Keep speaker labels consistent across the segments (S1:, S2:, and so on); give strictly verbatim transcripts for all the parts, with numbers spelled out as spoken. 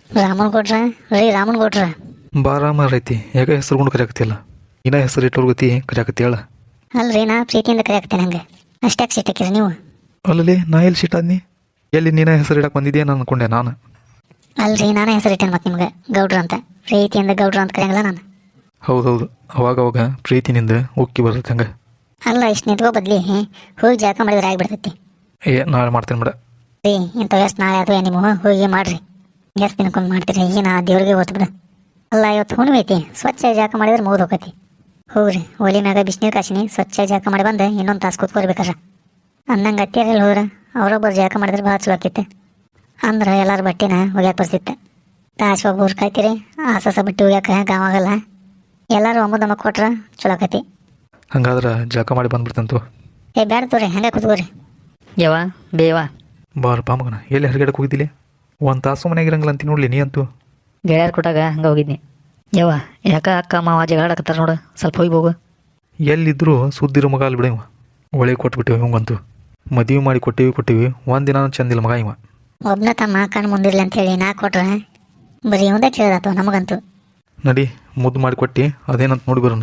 S1: ರಾಮನ್ ಕೊಟ್ರ ರೀ ರಾಮನ್ ಕೊಟ್ರ
S2: ಬಾರಾಮ ಐತಿ ಯಾಕೆ ಹೆಸರುಗೊಂಡು ಕರೆಯಾಕತ್ತಿಲ್ಲ ಇನ್ನ ಹೆಸರು ಇಟ್ಟೋರ್ ಗತಿ ಕರೆಯಾಕತ್ತಿ ಹೇಳ.
S1: ಅಲ್ರಿ ನಾ ಪ್ರೀತಿಯಿಂದ ಕರೆಯಾಕ್ತೇನೆ ಹಂಗೆ ಅಷ್ಟಾಗಿ ಸಿಟ್ಟಾಕಿರಿ ನೀವು.
S2: ಅಲ್ಲಲ್ಲಿ ನಾ ಎಲ್ಲಿ ಸಿಟ್ಟಾದ್ನಿ ಎಲ್ಲಿ ನೀನ ಹೆಸರು ಇಡಕ್ಕೆ ಬಂದಿದ್ಯಾ ನಾನು ಅನ್ಕೊಂಡೆ ನಾನು.
S1: ಅಲ್ರಿ ನಾನೇ ಹೆಸರಿಟ್ಟೇನೆ ಮತ್ತೆ ನಿಮ್ಗೆ ಗೌಡ್ರ ಅಂತ ಪ್ರೀತಿಯಿಂದ ಗೌಡ್ರ ಅಂತ ಕರೆಯಂಗಿಲ್ಲ ನಾನು.
S2: ಹೌದೌದು ಅವಾಗ ಅವಾಗ ಪ್ರೀತಿನಿಂದ ಉಕ್ಕಿ ಬರ್ತೈತೆ ಹಂಗೆ.
S1: ಅಲ್ಲ ಇಷ್ಟು ನಿಂತ್ಕೋ ಬದ್ಲಿ ಹೋಗಿ ಜಾಕ ಮಾಡಿದ್ರೆ ಆಗಿಬಿಡ್ತೈತಿ.
S2: ಏ ನಾಳೆ ಮಾಡ್ತೇನೆ ಬಿಡ.
S1: ರೀ ಇಂಥವು ಎಷ್ಟು ನಾಳೆ ಅದು ನಿಮ್ಮ ಹೋಗಿ ಮಾಡ್ರಿ ಎಷ್ಟು ದಿನಕ್ಕೊಂದು ಮಾಡ್ತೀರಿ ಏನು ಆ ದೇವ್ರಿಗೆ ಓದ್ತು ಬಿಡ. ಅಲ್ಲ ಇವತ್ತು ಹುಣ್ಣಿಮೆ ಐತಿ ಸ್ವಚ್ಛ ಜಾಕ ಮಾಡಿದ್ರೆ ಮುಗಿದು ಹೋಗತಿ. ಹೋಗ್ರಿ ಒಲಿ ಮ್ಯಾಗ ಬಿಸಿನೀರು ಕಾಸಿನಿ ಸ್ವಚ್ಛ ಜಾಕ ಮಾಡಿ ಬಂದು ಇನ್ನೊಂದು ತಾಸು ಕೂತ್ಕೋರ್ಬೇಕಾರ. ಅನ್ನಂಗೆ ಅತ್ತಿಯರಲ್ಲಿ ಹೋದ್ರೆ ಅವರೊಬ್ಬರು ಜಾಕ ಮಾಡಿದ್ರೆ ಭಾಳ ಚಲೋ ಆಕೈತೆ. ಅಂದ್ರೆ ಎಲ್ಲರ ಬಟ್ಟೆನ ಒಗ್ಯಾಕೆ ಬರ್ತಿತ್ತು. ತಾಸು ಒಬ್ಬರು ಕಾಯ್ತೀರಿ ಆಸಸ ಬಟ್ಟೆ ಒಗ್ಯಾಕೆ ಗಾವಾಗಲ್ಲ. ಎಲ್ಲರೂ ಒಮ್ಮದಮ್ಮ ಕೊಟ್ರೆ ಚಲೋ ಆಕತಿ.
S2: ಹಂಗಾದ್ರೆ ಜಳಕ ಮಾಡಿ ಬಂದ್ಬಿಡ್ತಂತು.
S1: ಏ ಬ್ಯಾಡ ತೋರಿ ಹಂಗೆ ಕೂತ್ಕೋರಿ.
S3: ಯವ ಬೇವ
S2: ಬಾರಪ್ಪ ಮಗನ ಎಲ್ಲಿ ಹೊರಗಡೆಗೆ ಹೋಗಿದ್ದಿಲ್ಲ ಒಂದು ತಾಸು ಮನೆಯಾಗ ಇರಂಗಿಲ್ಲ ಅಂತೀನಿ ನೋಡ್ಲಿ ನೀ ಅಂತೂ.
S3: ಗೆಳೆಯರು ಕೊಟ್ಟಾಗ ಹಂಗೆ ಹೋಗಿದ್ನಿ. ಯವ್ವ ಯಾಕ ಅಕ್ಕ ಮಾವ ಜಗಳಾಡಕತ್ತಾರ ನೋಡು ಸ್ವಲ್ಪ ಹೋಗಿ ಹೋಗು.
S2: ಎಲ್ಲಿದ್ದರೂ ಸುದ್ದಿರೋ ಮಗ ಅಲ್ಲಿ ಬಿಡವ ಒಳ್ಳೆ ಕೊಟ್ಬಿಟ್ಟಿವಿ ಇವಂಗಂತೂ. ಮದುವೆ ಮಾಡಿ ಕೊಟ್ಟಿವಿ ಕೊಟ್ಟಿವಿ ಒಂದು ದಿನ ಚಂದಿಲ್ಲ ಮಗ ಇವ.
S1: ಒಬ್ಬನ ತಮ್ಮ ಕಣ್ಣು ಮುಂದಿರ್ಲಿ ಅಂತೇಳಿ ನಾ ಕೊಟ್ರೆ ಬರೀ ಒಂದೇ ಕೇಳ್ದಾತು ನಮಗಂತೂ.
S2: ನಡಿ ಮುದ್ದು ಮಾಡಿ ಕೊಟ್ಟು ಅದೇನಂತ ನೋಡಿ ಬರೋಣ.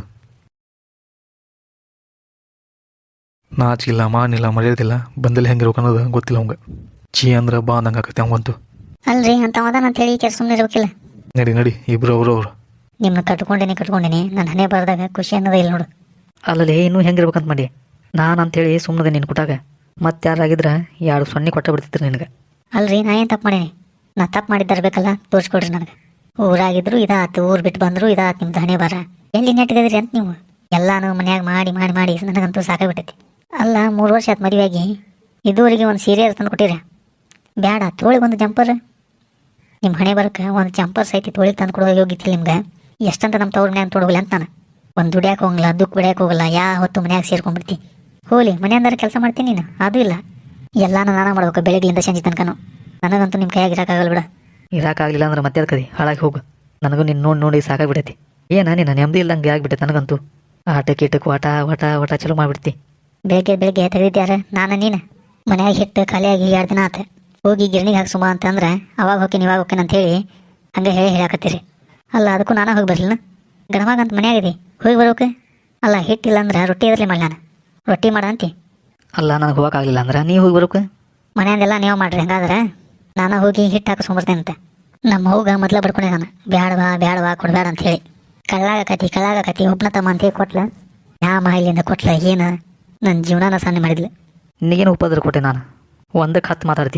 S2: ನಾಚಿಲ್ಲ ಮಾಡಿಲ್ಲ ಮರ್ಯಾದಿಲ್ಲ ಬಂದಲ್ಲಿ ಹೆಂಗಿರ್ಬೇಕು ಅನ್ನೋದು ಗೊತ್ತಿಲ್ಲ ಅವಂಗ. ಚೀ ಅಂದ್ರೆ ಬಾ ಅಂದಂಗೆ ಆಕತಿ ಅವಂಗಂತೂ.
S1: ಅಲ್ರಿ ಅಂತ ಅದಾನ ಅಂತೇಳಿ ಕೆಲ ಸುಮ್ಮನೆ ಇರ್ಬೇಕಿಲ್ಲ.
S2: ನಡಿ ನಡಿ ಇಬ್ರು ಅವರು ಅವರು
S1: ನಿಮ್ಮನ್ನ ಕಟ್ಕೊಂಡಿನಿ ಕಟ್ಕೊಂಡಿನಿ ನನ್ನ ಹಣೆ ಬರ್ದಾಗ ಖುಷಿ ಅನ್ನೋದೇ ಇಲ್ಲ ನೋಡು.
S3: ಅಲ್ಲಲ್ಲಿ ಇನ್ನೂ ಹೆಂಗಿರ್ಬೇಕಂತ ಮಾಡಿ ನಾನು ಅಂತೇಳಿ ಸುಮ್ಮನೆ ನೀನು ಕೊಟ್ಟಾಗ ಮತ್ತೆ ಯಾರಾಗಿದ್ರೆ ಎರಡು ಸೊನ್ನೆ ಕೊಟ್ಟ ಬಿಡ್ತಿದ್ರು ನಿನಗೆ.
S1: ಅಲ್ರಿ ನಾ ಏನು ತಪ್ಪು ಮಾಡೀನಿ? ನಾ ತಪ್ಪು ಮಾಡಿದ್ದರ್ಬೇಕಲ್ಲ ತೋರಿಸ್ಕೊಡ್ರಿ ನನಗೆ. ಊರಾಗಿದ್ರು ಇದಾತು ಊರು ಬಿಟ್ಟು ಬಂದರು ಇದಾತು ನಿಮ್ದು ಹಣೆ ಬರ. ಎಲ್ಲಿ ನೆಟ್ಗದ್ರಿ ಅಂತ ನೀವು ಎಲ್ಲಾನು ಮನ್ಯಾಗ ಮಾಡಿ ಮಾಡಿ ಮಾಡಿ ನನಗಂತೂ ಸಾಕಾಗ್ಬಿಟ್ಟೈತಿ. ಅಲ್ಲ ಮೂರು ವರ್ಷ ಆಯ್ತು ಮದುವೆಯಾಗಿ ಇದುವರೆಗೆ ಒಂದು ಸೀರೆ ತಂದು ಕೊಟ್ಟಿರ ಬ್ಯಾಡ ತೋಳಿಗೆ ಒಂದು ಜಂಪರ್. ನಿಮ್ಮ ಹಣೆ ಬರಕ್ಕೆ ಒಂದು ಜಂಪರ್ ಸೈತಿ ತೋಳಿಗೆ ತಂದು ಕೊಡೋ ಹೋಗಿತ್ತಿಲ್ಲ ನಿಮ್ಗೆ. ಎಷ್ಟಂತ ನಮ್ಮ ತವ್ರ ಮನ್ಯಾಗ ತೊಡೋಗಿಲ್ಲ ಅಂತ ನಾನು. ಒಂದು ದುಡಿಯಾಕೆ ಹೋಗಲ್ಲ ದುಃಖ ಬಿಡ್ಯಾಕೆ ಹೋಗಲ್ಲ ಯಾ ಹೊತ್ತು ಮನ್ಯಾಗ ಸೇರ್ಕೊಂಡ್ಬಿಡ್ತಿ. ಹೋಲಿ ಮನೆಯಂದ್ರೆ ಕೆಲಸ ಮಾಡ್ತೀನಿ ನೀನು ಅದು ಇಲ್ಲ. ಎಲ್ಲಾನು ನಾನಾ ಮಾಡ್ಬೇಕು ಬೆಳಗ್ಲಿಂದ ಸಂಜೆ ತನಕನು. ನನಗಂತೂ ನಿಮ್ಮ ಕೈಯಾಗಿ ಇರೋಕ್ಕಾಗಲ್ಲ ಬಿಡ.
S3: ಇರೋಕ್ಕಾಗಲಿಲ್ಲ ಅಂದ್ರೆ ಮತ್ತೆ ಅದಕ್ಕದಿ ಹಾಳಾಗಿ ಹೋಗು. ನನಗೂ ನಿನ್ನ ನೋಡಿ ನೋಡಿ ಸಾಕಾಗ್ಬಿಟ್ಟೈತಿ. ಏನ ನೀನು ನೆಮ್ಮದಿ ಇಲ್ಲಂಗೆ ಆಗ್ಬಿಟ್ಟೈತೆ ನನಗಂತೂ. ಆಟ ಕೀಟಕ್ಕೆ ವಾಟ ವಾಟ ವಾಟ ಚಲೋ ಮಾಡಿಬಿಡ್ತಿ.
S1: ಬೆಳಗ್ಗೆ ಬೆಳಗ್ಗೆ ತೆಗೆದಿದ್ಯಾರ ನಾನು ನೀನು ಮನ್ಯಾಗ ಹಿಟ್ಟು ಖಾಲಿಯಾಗಿ ಎರಡು ದಿನ ಆತ. ಹೋಗಿ ಗಿರಣಿಗೆ ಹಾಕಿ ಸುಮ ಅಂತಂದ್ರೆ ಅವಾಗ ಹೋಗ್ತೀನಿ ಇವಾಗ ಹೋಗ್ತೀನಿ ಅಂತ ಹೇಳಿ ಹಂಗೆ ಹೇಳಿ ಹೇಳಾಕತ್ತೀರಿ. ಅಲ್ಲ ಅದಕ್ಕೂ ನಾನು ಹೋಗಿ ಬರಲಿಲ್ಲ ಗಣವಾಗ ಅಂತ ಮನ್ಯಾಗಿದಿ ಹೋಗಿ ಬರೋಕೆ. ಅಲ್ಲ ಹಿಟ್ಟಿಲ್ಲ ಅಂದ್ರೆ ರೊಟ್ಟಿ ಎದ್ರಲಿ ಮಾಡಿ ನಾನು ರೊಟ್ಟಿ ಮಾಡಂತಿ.
S3: ಅಲ್ಲ ನನಗೆ ಹೋಗೋಕ್ಕಾಗಲಿಲ್ಲ ಅಂದ್ರೆ ನೀ ಹೋಗಿ ಬರೋಕೆ.
S1: ಮನೆಯಂದೆಲ್ಲ ನೀವು ಮಾಡ್ರಿ ಹಂಗಾದ್ರೆ ನಾನು ಹೋಗಿ ಹಿಟ್ಟು ಹಾಕಿಸ್ಕೊಂಬರ್ತೇನೆ ಅಂತ. ನಮ್ಮ ಹೋಗ ಮೊದಲ ಬಡ್ಕೊಂಡೆ ನಾನು ಬ್ಯಾಡವಾ ಬ್ಯಾಡವಾ ಕೊಡಬೇಡ ಅಂತ ಹೇಳಿ. ಕಳ್ಳಾಗಕತಿ ಕಳ್ಳಾಗಕತಿ ಒಬ್ಬನ ತಮ್ಮ ಅಂತ ಹೇಳಿ ಕೊಟ್ಲ ಯಾ ಮಾಹಿಲಿಯಿಂದ ಕೊಟ್ಲ ಏನು ನನ್ನ ಜೀವನನ ಸಣ್ಣ ಮಾಡಿದ್ಲು.
S3: ನಿನಗೇನು ಉಪದ್ರ ಕೊಟ್ಟೆ ನಾನು ಒಂದಕ್ಕೆ ಹತ್ತು ಮಾತಾಡ್ತಿ.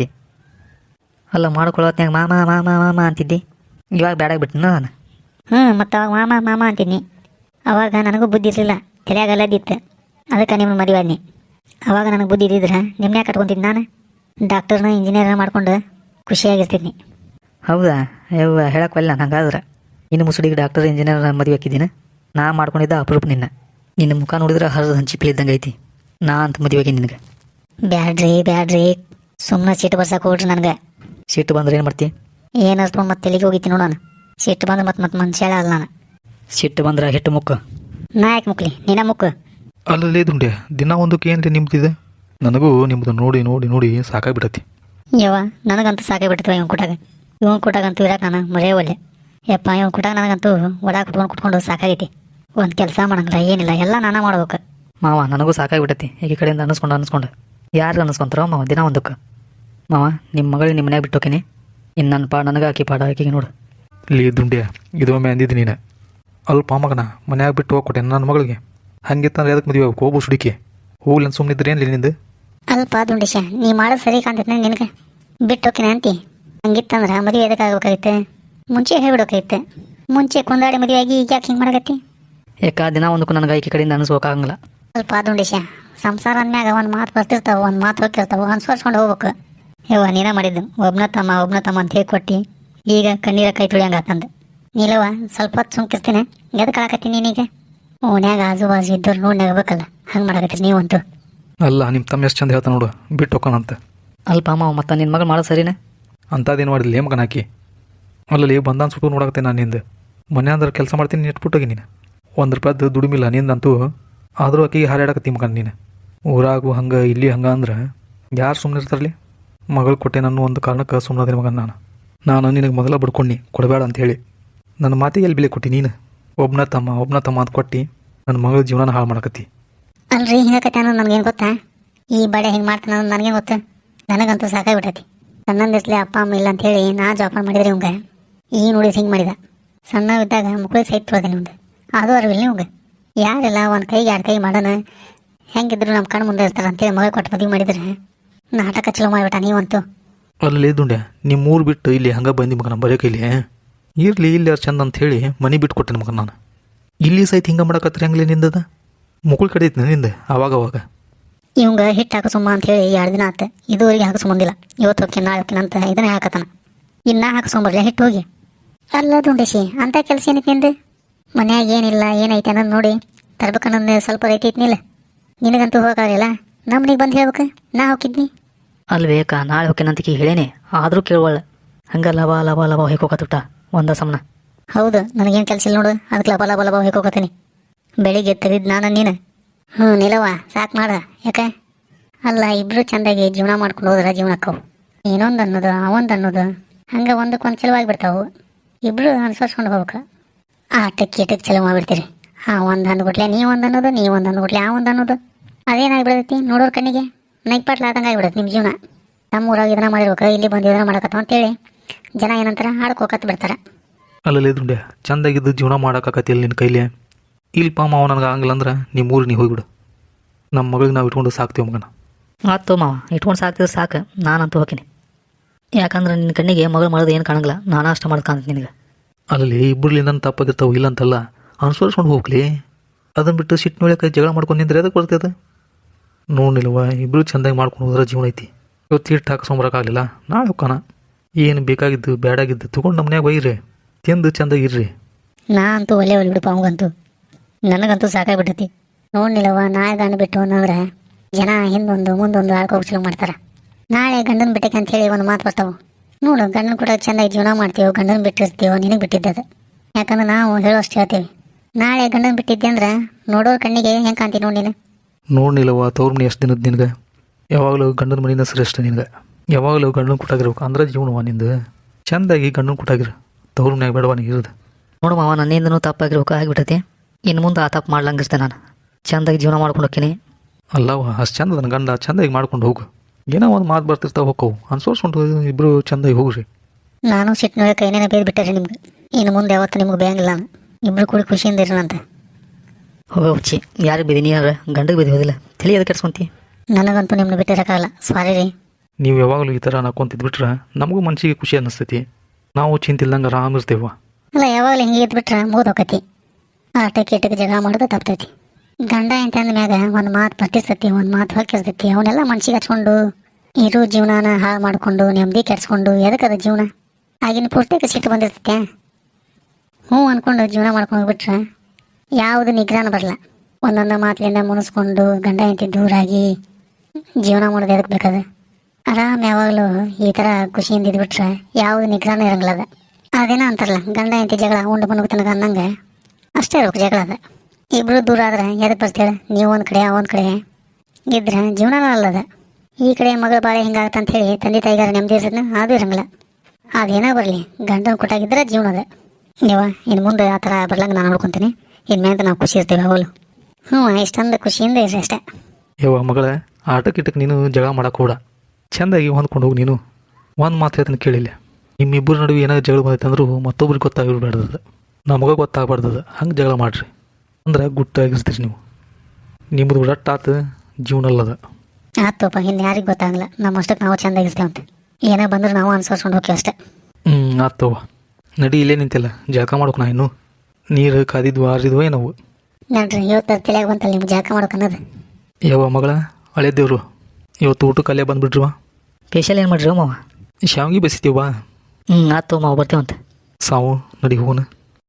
S3: ಅಲ್ಲ ಮಾಡ್ಕೊಳ್ಳೋತ್ನಾಗ ಮಾಮ ಮಾಮ ಮಾಮ ಅಂತಿದ್ದಿ ಇವಾಗ ಬ್ಯಾಡಾಗ್ಬಿಟ್ಟಿನ ನಾನು.
S1: ಹ್ಞೂ ಮತ್ತು ಅವಾಗ ಮಾಮ ಮಾಮ ಅಂತಿದ್ನಿ. ಅವಾಗ ನನಗೂ ಬುದ್ಧಿ ಇರಲಿಲ್ಲ ತಲೆಯಾಗಲ್ಲದಿತ್ತು ಅದಕ್ಕೆ ನಿಮ್ಮನ್ನ ಮದುವೆ ಆದ್ನಿ. ಅವಾಗ ನನಗೆ ಬುದ್ಧಿ ಇದ್ದಿದ್ರೆ ನಿಮ್ಮನ್ನೇ ಕಟ್ಕೊತಿದ್ದು ನಾನು ಡಾಕ್ಟರ್ನ ಇಂಜಿನಿಯರ್ನ ಮಾಡ್ಕೊಂಡು ಖುಷಿಯಾಗಿರ್ತಿದ್ನಿ.
S3: ಹೌದಾ ಯವ್ವ ಹೇಳಕ್ಕೆ ಒಲ್ಲ ಹಂಗಾದ್ರೆ ಇನ್ನು ಮುಸುಡಿಗೆ ಡಾಕ್ಟರ್ ಇಂಜಿನಿಯರ್ ಮದುವೆ ಹಾಕಿದ್ದೀನಿ. ನಾ ಮಾಡ್ಕೊಂಡಿದ್ದ ಅಪರೂಪ ನಿನ್ನ. ನಿನ್ನ ಮುಖ ನೋಡಿದ್ರೆ ಹರಿದ ಹಂಚಿಪ್ಲಿ ಇದ್ದಂಗೆ ಐತಿ. ನಾ ಅಂತ ಮದುವೆಗೆ ನಿನಗೆ
S1: ಬ್ಯಾಡ್ರಿ ಬ್ಯಾಡ್ರಿ ಸುಮ್ಮನೆ ಸಿಟ್ಟು ಬರ್ಸಕ್ಕೆ ಹೋಗ್ರಿ ನನಗೆ.
S3: ಸಿಟ್ಟು ಬಂದ್ರೆ ಏನು ಮಾಡ್ತಿ?
S1: ಏನು ಅರ್ಸ್ಕೊಂಡು ಮತ್ತೆ ತೆಲಿಗೆ ಹೋಗಿತ್ತೀನಿ ನೋಡು ನಾನು. ಸಿಟ್ಟು ಬಂದ್ರೆ ಮತ್ತೆ ಮತ್ತೆ ಮನುಷ್ಯ ಅಲ್ಲ ನಾನು.
S3: ಸಿಟ್ಟು ಬಂದ್ರೆ ಹಿಟ್ಟು ಮುಕ್ಕ
S1: ನಾ ಯಾಕೆ ಮುಕ್ಲಿ ನಿನ್ನ ಮುಕ್ಕು.
S2: ಅಲ್ಲಲ್ಲೇ ದುಂಡ್ಯ ದಿನ ಒಂದಕ್ಕೆ ಏನ್ರಿ ನಿಮ್ದಿದೆ. ನನಗೂ ನಿಮ್ಮದು ನೋಡಿ ನೋಡಿ ನೋಡಿ ಸಾಕಾಗ್ಬಿಟ್ಟತಿ.
S1: ಯವ್ವ ನನಗಂತೂ ಸಾಕಾಗ್ಬಿಡ್ತವ ಇವ್ನು ಕೊಟ್ಟಾಗ. ಇವ್ನು ಕೊಟ್ಟಾಗಂತೂ ಇರಕ್ಕೆ ನಾನು ಮರೆಯೇ ಒಲ್ಲೆ. ಯಪ್ಪ ಇವ್ನು ಕೊಟ್ಟಾಗ ನನಗಂತೂ ಒಡ ಕುಟ್ಕೊಂಡು ಕುಟ್ಕೊಂಡು ಸಾಕಾಗೈತಿ. ಒಂದು ಕೆಲಸ ಮಾಡಂಗಿಲ್ಲ ಏನಿಲ್ಲ ಎಲ್ಲ ನಾನಾ ಮಾಡ್ಬೇಕು.
S3: ಮಾವ ನನಗೂ ಸಾಕಾಗ್ಬಿಟ್ಟತಿ ಈ ಕಡೆಯಿಂದ ಅನ್ನಿಸ್ಕೊಂಡು ಅನ್ನಿಸ್ಕೊಂಡು ಯಾರು ಅನ್ನಿಸ್ಕೊಂತಾರೋ ಮಾವ ದಿನ ಒಂದಕ್ಕೆ. ಮಾವ ನಿಮ್ಮ ಮಗಳಿಗೆ ನಿಮ್ಮ ಮನ್ಯಾಗ ಬಿಟ್ಟು ಹೋಗಿನಿ. ಇನ್ನು ನನ್ನ ಪಾಡ ನನಗೆ ಹಾಕಿ ಪಾಡ ಹಾಕಿಗೆ ನೋಡು.
S2: ಲೇ ದುಂಡ್ಯ ಇದೊಮ್ಮೆ ಅಂದಿದ್ದು ನೀನು ಅಲ್ಪ ಮಗನ ಮನ್ಯಾಗ ಬಿಟ್ಟು ಹೋಗ್ಕೊಟ್ಟೆ ನನ್ನ ಮಗಳಿಗೆ. ಹಂಗಿತ್ತಂದ್ರೆ ಅದಕ್ಕೆ ಮದುವೆ ಹೋಗು ಸುಡಿಕೆ ಹೋಗ್ಲಿ ಅಂತ ಸುಮ್ಮನಿದ್ರೆ ಏನು ನಿಂದು.
S1: ಅಲ್ಪ ದುಂಡೇಶ ನೀ ಮಾಡೋದು ಸರಿ ಕಾಣ್ತೈತೆ ನಿನಗೆ ಬಿಟ್ಟು ಹೋಗ್ತೀನಿ ಅಂತಿ. ಹಂಗಿತ್ತಂದ್ರೆ ಮದುವೆ ಎದಕ್ಕೆ ಆಗ್ಬೇಕಾಗಿತ್ತೆ ಮುಂಚೆ ಹೇಳ್ಬಿಡೋಕಾಗಿತ್ತೆ. ಮುಂಚೆ ಕೊಂದಾಡಿ ಮದುವೆ ಆಗಿ ಈಗ ಯಾಕೆ ಹಿಂಗೆ ಮಾಡಕತ್ತಿ?
S3: ಯಾಕೆ ದಿನ ಒಂದಕ್ಕೂ ನನಗೆ ಆಯ್ಕೆ ಕಡೆಯಿಂದ ಅನಿಸ್ಕೋಕ್ಕಾಗಂಗಿಲ್ಲ.
S1: ಅಲ್ಪ ದುಂಡೇಶ ಸಂಸಾರ ಅಂದ್ಮ್ಯಾಗ ಒಂದು ಮಾತು ಬರ್ತಿರ್ತಾವೆ ಒಂದು ಮಾತು ಹೋಗಿರ್ತಾವೆ ಅನ್ಸರ್ಸ್ಕೊಂಡು ಹೋಗ್ಬೇಕು. ಯವ್ವ ನೀನ ಮಾಡಿದ್ದು ಒಬ್ಬನ ತಮ್ಮ ಒಬ್ಬನ ತಮ್ಮ ಅಂತ ಹೇಳಿ ಕೊಟ್ಟು ಈಗ ಕಣ್ಣೀರ ಕೈ ತುಳಿಯಂಗೆ ಆತಂದು. ನೀಲವ ಸ್ವಲ್ಪ ಹೊತ್ತು ಸುಮ್ಕಿರ್ತೀನಿ ಎದಕ್ಕೆ ಆಳಕತ್ತೀನಿ ನೀನೀಗ? ಓನ್ಯಾಗ ಆಜು ಬಾಜು ಇದ್ದವ್ರು ನೋಡಿ ನಗಬೇಕಲ್ಲ ಹಂಗೆ ಮಾಡಕತ್ತೀರಿ ನೀವಂತೂ.
S2: ಅಲ್ಲ ನಿಮ್ಮ ತಮ್ಮ ಎಷ್ಟು ಚಂದ ಹೇಳ್ತಾ ನೋಡು ಬಿಟ್ಟು ಹೋಗೋಣಂತ.
S3: ಅಲ್ಪ ಮಾವ ಮತ್ತು ನಿನ್ನ ಮಗಳು ಮಾಡೋದು ಸರಿನೇ
S2: ಅಂಥದ್ದೇನು ಮಾಡಿಲ್ಲ ಮಗನ ಹಾಕಿ. ಅಲ್ಲಲ್ಲಿ ಬಂದಾನ ಸುಟ್ಟು ನೋಡಕತ್ತೆ ನಾನು ನಿಂದು ಮನೆ ಅಂದ್ರೆ ಕೆಲಸ ಮಾಡ್ತೀನಿ ಇಟ್ಬಿಟ್ಟೋಗಿ ನೀನು ಒಂದು ರೂಪಾಯ್ದು ದುಡಿಮಿಲ್ಲ ನಿಂದಂತೂ. ಆದರೂ ಆಕೆಗೆ ಹಾರಾಡಕತ್ತಿ ಮಗನ ನೀನು ಊರಾಗು ಹಂಗೆ ಇಲ್ಲಿ ಹಂಗೆ ಅಂದ್ರೆ ಯಾರು ಸುಮ್ಮನೆ ಇರ್ತಾರಲಿ. ಮಗಳು ಕೊಟ್ಟೆ ನಾನು ಒಂದು ಕಾರಣಕ್ಕೆ ಸುಮ್ಮನೆ ಮಗನ ನಾನು. ನಾನು ನಿನಗೆ ಮೊದಲ ಬಡ್ಕೊಂಡು ಕೊಡಬೇಡ ಅಂತೇಳಿ ನನ್ನ ಮಾತಿಗೆ ಎಲ್ಲಿ ಬೆಲೆ ಕೊಟ್ಟು ನೀನು ಒಬ್ಬನ ತಮ್ಮ ಒಬ್ಬನ ತಮ್ಮ ಅಂತ ಕೊಟ್ಟು ನನ್ನ ಮಗಳ ಜೀವನ ಹಾಳು ಮಾಡಕತ್ತಿ.
S1: ಅಲ್ರಿ ಹಿಂಗಕತ್ತೆ ಅನ್ನೋದು ನನಗೇನು ಗೊತ್ತಾ? ಈ ಬಡೆ ಹಿಂಗೆ ಮಾಡ್ತಾನೆ ಅನ್ನೋದು ನನಗೇನು ಗೊತ್ತು? ನನಗಂತೂ ಸಾಕಾಗ್ಬಿಟ್ಟೈತಿ. ಸಣ್ಣಂದಿರ್ಸ್ಲಿ ಅಪ್ಪ ಅಮ್ಮ ಇಲ್ಲ ಅಂತೇಳಿ ನಾ ಜೋಪಾನ ಮಾಡಿದ್ರಿ ಇವಂಗೆ ಈ ನೋಡಿ ಹಿಂಗೆ ಮಾಡಿದ. ಸಣ್ಣವಿದ್ದಾಗ ಮಕ್ಕಳಿಗೆ ಸಹಿತ ತೊಳ್ದೆ ನಿಮ್ದು ಅದು ಅರಿವಿಲ್ಲ ನಿಮ್ಗೆ. ಯಾರೆಲ್ಲ ಒಂದು ಕೈಗೆ ಎರಡು ಕೈ ಮಾಡೋಣ ಹೆಂಗಿದ್ರು ನಮ್ಮ ಕಣ್ಣು ಮುಂದೆ ಇರ್ತಾರೆ ಅಂತೇಳಿ ಮಗ ಕೊಟ್ಟು ಮದುವೆ ಮಾಡಿದ್ರೆ ನಾಟಕ ಚಲೋ ಮಾಡಿಬಿಟ್ಟ ನೀವಂತೂ.
S2: ಅಲ್ಲಿ ದುಂಡೆ ನಿಮ್ಮ ಊರು ಬಿಟ್ಟು ಇಲ್ಲಿ ಹಂಗೆ ಬಂದು ಮಗ ನಮ್ಮ ಬರೀ ಕೈಲಿ ಇರಲಿ ಇಲ್ಲಿ ಯಾರು ಚಂದ ಅಂತ ಹೇಳಿ ಮನೆ ಬಿಟ್ಟು ಕೊಟ್ಟೆ ಮಗ ನಾನು. ಇಲ್ಲಿ ಸಹಿತ ಹಿಂಗೆ ಮಾಡಕತ್ರಿ ಹಂಗ್ಲಿ ನಿಂದದ ಮುಕ್ಕಳು ಕಡಿತನ ನಿಂದ ಅವಾಗ ಅವಾಗ.
S1: ಇವಂಗ ಹಿಟ್ಟು ಹಾಕೋ ಸುಮ್ಮ ಅಂತ ಹೇಳಿ ಎರಡು ದಿನ ಆತ ಇದುವರೆಗೆ ಹಾಕಿಸ್ಕೊಂಬಂದಿಲ್ಲ. ಇವತ್ತು ಹೋಗಿ ನಾಳೆ ಹೋಗ್ತೀನಿ ಅಂತ ಇದನ್ನೇ ಹಾಕತ್ತಾನ. ಇನ್ನ ಹಾಕಿಸ್ಕೊಂಬರ್ಲಿ ಹಿಟ್ಟು ಹೋಗಿ. ಅಲ್ಲ ದುಂಡೇಶಿ ಅಂತ ಕೆಲಸ ಏನೈತಿ ನಿಂದು? ಮನ್ಯಾಗ ಏನಿಲ್ಲ ಏನೈತೆ ಅನ್ನೋದು ನೋಡಿ ತರ್ಬೇಕನ್ನೊಂದು ಸ್ವಲ್ಪ ರೈತಿ ಐತಿನಿಲ್ಲ. ನಿನಗಂತೂ ಹೋಗೋಕ್ಕಾಗಲಿಲ್ಲ, ನಮ್ಮನಿಗೆ ಬಂದು ಹೇಳ್ಬೇಕು ನಾ ಹೋಗಿದ್ನಿ.
S3: ಅಲ್ಲಿ ಬೇಕಾ ನಾಳೆ ಹೋಗ್ಯನಂತಕಿ ಹೇಳೇನೆ ಆದರೂ ಕೇಳುವಳ್ಳ. ಹಂಗೆ ಲವ ಲವ ಲವ ಹೊಯ್ಕೋಕತ್ತುಟ ಒಂದ ಸಮನ.
S1: ಹೌದು, ನನಗೇನು ಕೆಲಸ ಇಲ್ಲ ನೋಡು, ಅದಕ್ಕೆ ಲಬ ಲಬ ಲಬ ಹೋಗ್ಕೋತೀನಿ. ಬೆಳಿಗ್ಗೆ ತೆಗೆದಿದ್ದು ನಾನು ನೀನು. ಹ್ಞೂ ನಿಲವ ಸಾಕು ಮಾಡ. ಯಾಕೆ ಅಲ್ಲ ಇಬ್ಬರು ಚೆಂದಾಗಿ ಜೀವನ ಮಾಡ್ಕೊಂಡು ಹೋದ್ರೆ ಜೀವನಕ್ಕವು ಏನೊಂದು ಅನ್ನೋದು ಅವೊಂದು ಅನ್ನೋದು ಹಂಗೆ ಒಂದಕ್ಕೊಂದು ಚಲವಾಗಿ ಬಿಡ್ತಾವು. ಇಬ್ಬರು ಅನುಸರಿಸ್ಕೊಂಡು ಹೋಗ್ಬೇಕು. ಆ ಟಕ್ಕಿ ಟಕ್ ಚಲೋ ಮಾಡಿಬಿಡ್ತೀರಿ. ಆ ಒಂದು ಅಂದ್ಬಿಟ್ಲೆ ನೀ ಒಂದು ಅನ್ನೋದು ನೀ ಒಂದು ಅಂದ್ಬಿಟ್ಲೆ ಆ ಒಂದು ಅನ್ನೋದು ಅದೇನಾಗಿಬಿಡ್ತೈತಿ ನೋಡೋರು ಕಣ್ಣಿಗೆ ನೈಪಾಟ್ಲ ಆದಂಗೆ ಆಗಿಬಿಡುತ್ತೆ ನಿಮ್ಮ ಜೀವನ. ನಮ್ಮ ಊರಾಗ ಇದನ್ನ ಮಾಡಿರ್ಬೇಕು, ಇಲ್ಲಿ ಬಂದು ಇದನ್ನ ಮಾಡಕತ್ತಾವ ಅಂತೇಳಿ ಜನ ಏನಂತಾರೆ ಹಾಡ್ಕೋಕತ್ತು ಬಿಡ್ತಾರೆ.
S2: ಅಲ್ಲಲ್ಲಿ ದುಂಡೆ ಚಂದಾಗಿದ್ದು ಜೀವನ ಮಾಡೋಕ್ಕಾಕತ್ತಿಲ್ಲ ನಿನ್ನ ಕೈಲಿ. ಇಲ್ಪ ಮಾವ ನನಗೆ ಆಗಂಗಿಲ್ಲ ಅಂದ್ರೆ ನಿಮ್ಮ ಊರಿಗೆ ನೀವು ಹೋಗಿಬಿಡು. ನಮ್ಮ ಮಗಳಿಗೆ ನಾವು ಇಟ್ಕೊಂಡು ಸಾಕ್ತೀವಿ ಮಗನ.
S3: ಆತು ಮಾವ ಇಟ್ಕೊಂಡು ಸಾಕ್ತಿದ್ರೆ ಸಾಕು, ನಾನಂತೂ ಹೋಗ್ತೀನಿ. ಯಾಕಂದ್ರೆ ನಿನ್ನ ಕಣ್ಣಿಗೆ ಮಗಳು ಮಾಡೋದು ಏನು ಕಾಣಂಗಿಲ್ಲ, ನಾನು ಅಷ್ಟ ಮಾಡೋದು ಕಾಣುತ್ತೆ ನಿನಗೆ.
S2: ಅಲ್ಲಿ ಇಬ್ಬರಲಿಂದ ತಪ್ಪಾಗಿರ್ತಾವೆ ಇಲ್ಲ ಅಂತಲ್ಲ, ಅನುಸರಿಸ್ಕೊಂಡು ಹೋಗ್ಲಿ. ಅದನ್ನು ಬಿಟ್ಟು ಸಿಟ್ಟು ನೋಡಕ್ಕೆ ಜಗಳ ಮಾಡ್ಕೊಂಡು ನಿಂದ್ರೆ ಅದಕ್ಕೆ ಬರ್ತದೆ. ನೋಡಿಲ್ವ ಇಬ್ಬರು ಚೆಂದಾಗಿ ಮಾಡ್ಕೊಂಡು ಹೋದ್ರೆ ಜೀವನ ಐತಿ. ಇವತ್ತು ಹಿಟ್ಟು ಹಾಕ್ಸ್ಕೊಂಬರಕ್ಕಾಗಲಿಲ್ಲ, ನಾಳೆ ಹೋಗೋಣ. ಏನು ಬೇಕಾಗಿದ್ದು ಬೇಡಾಗಿದ್ದು ತೊಗೊಂಡು ನಮ್ಮ ಮನ್ಯಾಗ ಒಯ್ಯಿರಿ, ತಿಂದು ಚೆಂದಾಗಿರ್ರಿ.
S1: ನಾ ಅಂತೂ ಒಳ್ಳೆ ಒಳ್ಳೆ ಬಿಡಪ್ಪ ಅವಂಗಂತೂ. ನನಗಂತೂ ಸಾಕಾಗ್ಬಿಟ್ಟೈತಿ. ನೋಡ್ನಿಲ್ಲವ ನಾಳೆ ಗಂಡ ಬಿಟ್ಟು ಅನ್ನಂದ್ರೆ ಜನ ಹಿಂದೊಂದು ಮುಂದೊಂದು ಆಳ್ಕೋಗಿ ಚಲೋ ಮಾಡ್ತಾರೆ. ನಾಳೆ ಗಂಡನ ಬಿಟ್ಟಕ್ಕೆ ಅಂತ ಹೇಳಿ ಒಂದು ಮಾತು ಬರ್ತಾವೆ ನೋಡು. ಗಂಡನ ಕೂಡ ಚೆಂದಾಗಿ ಜೀವನ ಮಾಡ್ತೀವೋ ಗಂಡನ ಬಿಟ್ಟಿರ್ತೀವೋ ನಿನಗೆ ಬಿಟ್ಟಿದ್ದದು. ಯಾಕಂದ್ರೆ ನಾವು ಹೇಳೋಷ್ಟು ಹೇಳ್ತೀವಿ. ನಾಳೆ ಗಂಡನ ಬಿಟ್ಟಿದ್ದೆ ಅಂದ್ರೆ ನೋಡೋರ ಕಣ್ಣಿಗೆ ಹೆಂಗೆ ಕಾಣ್ತೀವಿ ನೋಡಿ ನೀನು.
S2: ನೋಡ್ನಿಲ್ಲವ ತವ್ರ ಮನೆ ಎಷ್ಟು ದಿನದ ನಿನಗೆ. ಯಾವಾಗಲೂ ಗಂಡನ ಮನೆಯಿಂದ ಶ್ರೇಷ್ಠ ನಿನಗೆ. ಯಾವಾಗಲೂ ಗಂಡನ ಕುಟ್ಟಾಗಿರ್ಬೇಕು ಅಂದ್ರೆ ಜೀವನವ ನಿಂದು. ಚೆಂದಾಗಿ ಗಂಡನ ಕುಟ್ಟಾಗಿರು, ತವ್ರ ಮನ್ಯಾಗ ಬೇಡವ ನೀ ಇರೋದು.
S3: ನೋಡು ಮಾವ ನನ್ನಿಂದನೂ ತಪ್ಪಾಗಿರ್ಬೇಕು ಆಗಿಬಿಟ್ಟೈತಿ. ಇನ್ನು ಮುಂದೆ ಆ ತಪ್ಪು ಮಾಡ್ಲಂಗಿರ್ತೆ ನಾನು. ಚೆಂದಾಗಿ ಜೀವನ ಮಾಡ್ಕೊಂಡು ಹೋಗ್ತೀನಿ.
S2: ಅಲ್ಲವ ಅಷ್ಟು ಚಂದ ನನ್ನ ಗಂಡ ಚೆಂದಾಗಿ ಮಾಡ್ಕೊಂಡು ಹೋಗು. ಏನೋ ಒಂದು ಮಾತು ಬರ್ತಿರ್ತಾವೆ ಹೋಕ್ಕವು ಅನ್ಸೋರ್ಸ್ಕೊಂಡು ಇಬ್ಬರು ಚೆಂದಾಗಿ ಹೋಗ್ರಿ.
S1: ನಾನು ಸಿಟ್ಟು ನೋಡಿ ಕೈನೇನೆ ಬೇಯ್ದು ಬಿಟ್ಟರೆ ನಿಮ್ಗೆ. ಇನ್ನು ಮುಂದೆ ಯಾವತ್ತು ನಿಮ್ಗೆ ಬೇಯಂಗಿಲ್ಲ ನಾನು. ಇಬ್ಬರು ಕೂಡಿ ಖುಷಿಯಿಂದ ಇರೋಣಂತ.
S3: ಹೋಗೋ ಹುಚ್ಚಿ ಯಾರಿಗೆ ಬಿದ್ದೀನಿ ಯಾರು ಗಂಡಗೆ ಬಿದ್ದು ಹೋದಿಲ್ಲ ತಲೆ ಅದಕ್ಕೆ ಕೆಡ್ಸ್ಕೊಂತಿ.
S1: ನನಗಂತೂ ನಿಮ್ಮನ್ನ ಬಿಟ್ಟಿರೋಕ್ಕಾಗಲ್ಲ. ಸಾರಿ ರೀ.
S2: ನೀವು ಯಾವಾಗಲೂ ಈ ಥರ ನಕ್ಕೊಂತಿದ್ಬಿಟ್ರೆ ನಮಗೂ ಮನಸ್ಸಿಗೆ ಖುಷಿ ಅನ್ನಿಸ್ತೈತಿ. ನಾವು ಚಿಂತಿಲ್ದಂಗೆ ಆರಾಮ ಇರ್ತೇವ.
S1: ಅಲ್ಲ ಯಾವಾಗಲೂ ಹಿಂಗೆ ಇದ್ಬಿಟ್ರೆ ಮುಗಿದು ಹೋಗತಿ. ಆಟಕ್ಕೆ ಇಟ್ಟಕ್ಕೆ ಜಗಳ ಮಾಡೋದು ತಪ್ತೈತಿ. ಗಂಡ ಅಂತ ಅಂದ್ಮ್ಯಾಗ ಒಂದು ಮಾತು ಬರ್ತಿರ್ತೈತಿ, ಒಂದು ಮಾತು ಹಾಕಿರ್ತೈತಿ. ಅವನ್ನೆಲ್ಲ ಮನ್ಸಿಗೆ ಹಚ್ಕೊಂಡು ಇರೋ ಜೀವನಾನ ಹಾಳು ಮಾಡಿಕೊಂಡು ನೆಮ್ಮದಿ ಕೆಡ್ಸ್ಕೊಂಡು ಎದಕ್ಕದ ಜೀವನ ಆಗಿನ ಪೂರ್ತಿಗೆ ಸಿಟ್ಟು ಬಂದಿರ್ತೈತೆ. ಹ್ಞೂ ಅಂದ್ಕೊಂಡು ಜೀವನ ಮಾಡ್ಕೊಂಡು ಹೋಗ್ಬಿಟ್ರೆ ಯಾವುದು ನಿಗ್ರಹನ ಬರಲ್ಲ. ಒಂದೊಂದು ಮಾತಲಿಂದ ಮುನಿಸ್ಕೊಂಡು ಗಂಡ ಹೆಂಡತಿ ದೂರಾಗಿ ಜೀವನ ಮಾಡೋದು ಎದಕ್ಕೆ ಬೇಕದ. ಆರಾಮ್ ಯಾವಾಗಲೂ ಈ ಥರ ಖುಷಿಯಿಂದ ಇದ್ಬಿಟ್ರೆ ಯಾವುದು ನಿಗ್ರಹನ ಇರಂಗಿಲ್ಲ. ಅದ ಅದೇನೋ ಅಂತಾರಲ್ಲ ಗಂಡ ಹೆಂಡತಿ ಜಗಳ ಉಂಡು ಬಂದು ತನಕ ಅನ್ನಂಗೆ ಅಷ್ಟೇ ಇರ್ಬೇಕು ಜಗಳ. ಅದ ಇಬ್ಬರು ದೂರ ಆದ್ರೆ ಎದಕ್ಕೆ ಬರ್ತೀಳ. ನೀವು ಒಂದು ಕಡೆ ಒಂದು ಕಡೆ ಇದ್ರೆ ಜೀವನನೂ ಅಲ್ಲದ. ಈ ಕಡೆ ಮಗಳ ಬಾಳೆ ಹಿಂಗಾಗತ್ತೆ ಅಂತ ಹೇಳಿ ತಂದೆ ತಾಯಿಗಾರ ನೆಮ್ಮದಿ ಇರ್ತದೆ ಅದು ಇರಂಗಿಲ್ಲ. ಅದೇನೋ ಬರಲಿ ಗಂಡನ ಕೊಟ್ಟಾಗಿದ್ರೆ ಜೀವನ ಅದ. ನೀವು ಇನ್ನು ಮುಂದೆ ಆ ಥರ ಬರ್ಲಂಗೆ ನಾನು ನೋಡ್ಕೊತೀನಿ. ಇನ್ಮೇಲೆ ನಾವು ಖುಷಿ ಇರ್ತೀವಿ ಅವಳು. ಹ್ಞೂ ಇಷ್ಟೊಂದು ಖುಷಿಯಿಂದ ಇರ್ರಿ ಅಷ್ಟೇ.
S2: ಯವ್ವ ಮಗಳೇ ಆಟಕ್ಕೆ ಇಟ್ಟಕ್ಕೆ ನೀನು ಜಗಳ ಮಾಡಕ್ಕೆ ಕೂಡ ಚೆಂದಾಗಿ ಹೊಂದ್ಕೊಂಡು ಹೋಗಿ. ನೀನು ಒಂದು ಮಾತು ಹೇಳ್ತಾನೆ ಕೇಳಿಲ್ಲ. ನಿಮ್ಮಿಬ್ಬರ ನಡುವೆ ಏನಾದ್ರು ಜಗಳ ಬಂದೈತೆ ಅಂದರೂ ಮತ್ತೊಬ್ರಿಗೆ ಗೊತ್ತಾಗಿರ್ಬಾರ್ದದ, ನಮಗೆ ಗೊತ್ತಾಗಬಾರ್ದದ. ಹಂಗೆ ಜಗಳ ಮಾಡಿರಿ ಅಂದ್ರೆ ಗುಟ್ಟಾಗಿರ್ತೀರಿ ನೀವು. ನಿಮ್ಮದು ರಟ್ಟಾತು ಜೀವನ ಅಲ್ಲದ.
S1: ಆತಪ್ಪ ಇನ್ನು ಯಾರಿಗೆ ಗೊತ್ತಾಗಲ್ಲ. ನಮ್ಮ ಅಷ್ಟಕ್ಕೆ ನಾವು ಚೆಂದಾಗಿರ್ತೇವಂತೆ. ಏನೇ ಬಂದರೂ ನಾವು ಅನುಸರಿಸ್ಕೊಂಡು ಹೋಗ್ತೀವಿ ಅಷ್ಟೇ.
S2: ಹ್ಞೂ ಆತವ ನಡಿ ಇಲ್ಲೇ ನಿಂತಿಲ್ಲ ಜಳಕ ಮಾಡೋಕೆ. ನಾ ಇನ್ನು ನೀರು ಕಾದಿದ್ವು ಆರಿದ್ವು ಏನವು
S1: ನೋಡ್ರಿ ಇವತ್ತು ತಲೆಯಾಗ ಬಂತಲ್ಲ ನಿಮ್ಗೆ ಜಾಕ ಮಾಡೋಕೆ ಅನ್ನೋದು.
S2: ಯಾವ ಮಗಳ ಹಳೆ ದೇವ್ರು ಇವತ್ತು ಊಟಕ್ಕೆ ಅಲ್ಲೇ ಬಂದುಬಿಟ್ರಿವ.
S3: ಫೇಶಿಯಲ್ ಏನು ಮಾಡ್ರಿ ಮಾವ?
S2: ಶಾವಿಗೆ ಬೇಯಿಸ್ತೀವ.
S3: ಹ್ಞೂ ಆತು ಮಾವ ಬರ್ತೇವಂತ.
S2: ಸಾವು ನಡಿ ಹೋಗೋಣ.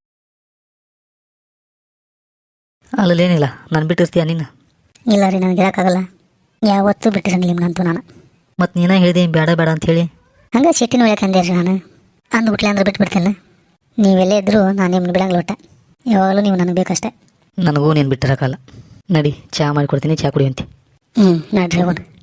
S3: ಅಲ್ಲೇನಿಲ್ಲ ನಾನು ಬಿಟ್ಟಿರ್ತೀಯ ನೀನು?
S1: ಇಲ್ಲ ರೀ ನನಗೆ ಇರೋಕ್ಕಾಗಲ್ಲ. ಯಾವತ್ತೂ ಬಿಟ್ಟಿರಂಗಿಲ್ಲ ನಿಮ್ಗಂತೂ ನಾನು.
S3: ಮತ್ತು ನೀನೇ ಹೇಳಿದೆ ಬೇಡ ಬೇಡ ಅಂತ ಹೇಳಿ.
S1: ಹಂಗೆ ಸಿಟ್ಟಿನ ಒಳಗೆ ಅಂದೇರಿ ನಾನು. ಅಂದ್ಬಿಟ್ಲೆ ಅಂದ್ರೆ ಬಿಟ್ಬಿಡ್ತೇನೆ. ನೀವೆಲ್ಲೇ ಇದ್ದರೂ ನಾನು ನಿಮ್ಮನ್ನ ಬಿಡಂಗಿಲ್ಲ ಒಟ್ಟ. ಯಾವಾಗಲೂ ನೀವು ನನಗೆ ಬೇಕಷ್ಟೆ.
S3: ನನಗೂ ನೀನು ಬಿಟ್ಟಿರೋಕ್ಕಲ್ಲ. ನಡಿ ಚಹಾ ಮಾಡಿಕೊಡ್ತೀನಿ, ಚಹಾ ಕುಡಿಯುವಂತೆ.
S1: ಹ್ಞೂ ನಡ್ರಿ ಹೋಗೋಣ.